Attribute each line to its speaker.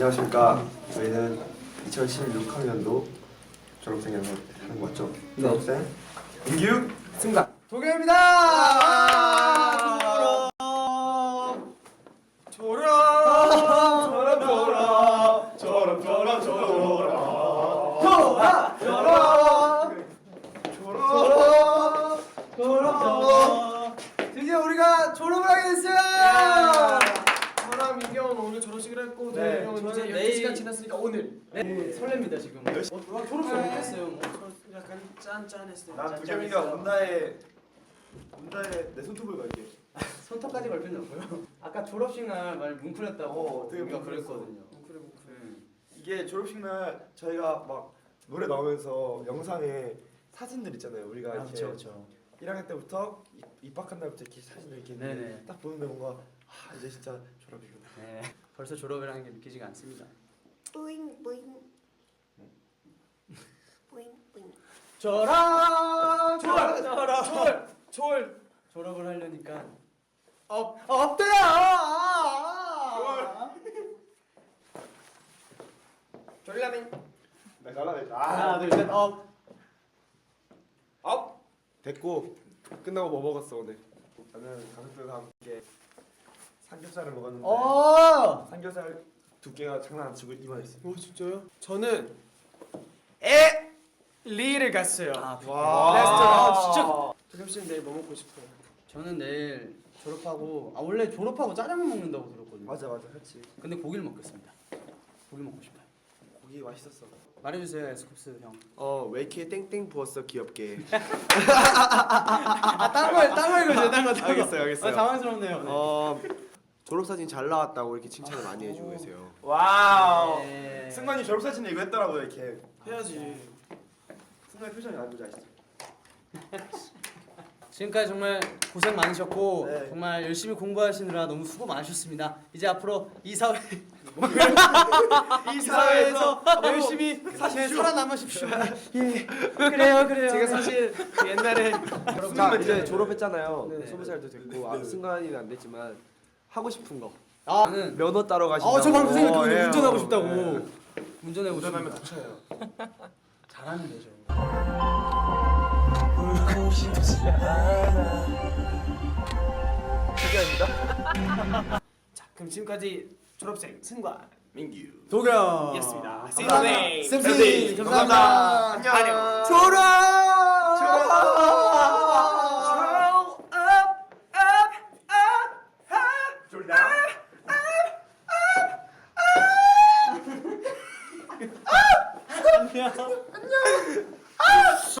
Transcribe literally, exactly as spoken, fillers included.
Speaker 1: 안녕하십니까. 저희는 이천십육 학년도 졸업생이라서 하는 거 맞죠?
Speaker 2: 네.
Speaker 1: 졸업생 민규 승관
Speaker 2: 도겸입니다. 졸업 졸업 졸업 졸업 졸업 졸업 졸업 졸업 졸업 졸업 드디어 우리가 졸업을 하게 됐어요.
Speaker 3: 저랑 민기 형은 오늘 졸업식을 했고
Speaker 2: 네,
Speaker 3: 도겸이 형은
Speaker 2: 저는
Speaker 3: 이제
Speaker 2: 내일-
Speaker 3: 열두 시간 지났으니까 오늘
Speaker 2: 네, 설렙니다 지금. 어, 와, 졸업식
Speaker 3: 네.
Speaker 2: 못했어요. 뭐.
Speaker 3: 저 약간 짠짠했어요.
Speaker 1: 난
Speaker 3: 짠짠했어요.
Speaker 1: 도겸이가 온다에 온다에 내 손톱을 걸게.
Speaker 2: 손톱까지 걸 필요는 없고요. 아까 졸업식 날 많이 뭉클했다고
Speaker 1: 어, 되게
Speaker 2: 우리가
Speaker 1: 뭉클했어.
Speaker 2: 그랬거든요.
Speaker 3: 그래 뭐 그래.
Speaker 2: 음.
Speaker 1: 이게 졸업식 날 저희가 막 노래 나오면서 영상에 사진들 있잖아요. 우리가
Speaker 2: 아,
Speaker 1: 이렇게
Speaker 2: 그렇죠, 그렇죠.
Speaker 1: 일 학년 때부터 입- 입학한 날부터 이렇게 사진을 이렇게 있는데
Speaker 2: 네네.
Speaker 1: 딱 보는데 뭔가 아 이제 진짜 졸업이구나.
Speaker 2: 네, 벌써 졸업이라는 게 느끼지가 않습니다.
Speaker 4: 뿌잉 뿌잉 뿌잉 뿌잉
Speaker 2: 졸업,
Speaker 3: 졸업! 졸업! 졸업!
Speaker 2: 졸업을 하려니까
Speaker 3: 업!
Speaker 2: 없대요.
Speaker 3: 졸라맨.
Speaker 1: 나 잘라냈다.
Speaker 2: 하나, 둘, 셋, 업.
Speaker 1: 업 됐고 끝나고 뭐 먹었어 오늘? 저는 가족들과 함께 삼겹살을 먹었는데
Speaker 2: 어.
Speaker 1: 삼겹살 두께가 장난 안 치고 이만했어.
Speaker 3: 오 진짜요? 저는 에 리를 갔어요.
Speaker 2: 아,
Speaker 1: 와.
Speaker 3: 레스토랑.
Speaker 2: 아, 진짜.
Speaker 3: 도겸 씨는 내일 뭐 먹고 싶어요?
Speaker 2: 저는 내일 졸업하고 아 원래 졸업하고 짜장면 먹는다고 들었거든요.
Speaker 1: 맞아 맞아 그렇지.
Speaker 2: 근데 고기를 먹겠습니다. 고기 먹고 싶어요.
Speaker 1: 고기 맛있었어.
Speaker 2: 말해주세요, 에스쿱스 형.
Speaker 1: 어왜 이렇게 땡땡 부었어 귀엽게.
Speaker 2: 아, 딴 거, 딴거 읽어주세요, 딴 거, 딴 거.
Speaker 1: 알겠어요, 알겠어요.
Speaker 2: 아, 당황스럽네요. 네.
Speaker 1: 어 졸업사진 잘 나왔다고 이렇게 칭찬을 많이 해주고 계세요.
Speaker 3: 와우.
Speaker 2: 네.
Speaker 1: 승관이 졸업사진 이거 했더라고요 이렇게.
Speaker 3: 해야지.
Speaker 1: 승관이 표정이 안 좋지 아시죠?
Speaker 2: 지금까지 정말 고생 많으셨고
Speaker 1: 네.
Speaker 2: 정말 열심히 공부하시느라 너무 수고 많으셨습니다. 이제 앞으로 이 사회 이 사회에서 열심히 네, 살아남으십시오. 예, 그래요, 그래요.
Speaker 3: 제가 사실 그 옛날에
Speaker 5: 자 이제 졸업했잖아요.
Speaker 2: 네.
Speaker 5: 스무 살도 됐고 아, 승관이는 안 됐지만 하고 싶은 거
Speaker 2: 아, 나는
Speaker 5: 면허 따러 가신다고.
Speaker 2: 아, 저 방금 생각했거든요.
Speaker 5: 어, 예.
Speaker 2: 운전하고 싶다고.
Speaker 5: 네.
Speaker 2: 운전해고
Speaker 1: 운전하면
Speaker 2: 싶습니다.
Speaker 1: 다쳐요.
Speaker 2: 잘하면 되죠.
Speaker 3: 자 그럼 지금까지 졸업생 승관 민규
Speaker 2: 도겸.
Speaker 3: 였습니다. See you
Speaker 2: 감사합니다.
Speaker 3: next.
Speaker 2: 쌤쌤 감사합니다.
Speaker 1: 안녕.
Speaker 3: 안녕.
Speaker 2: 졸업.
Speaker 1: 졸다.
Speaker 2: 안녕.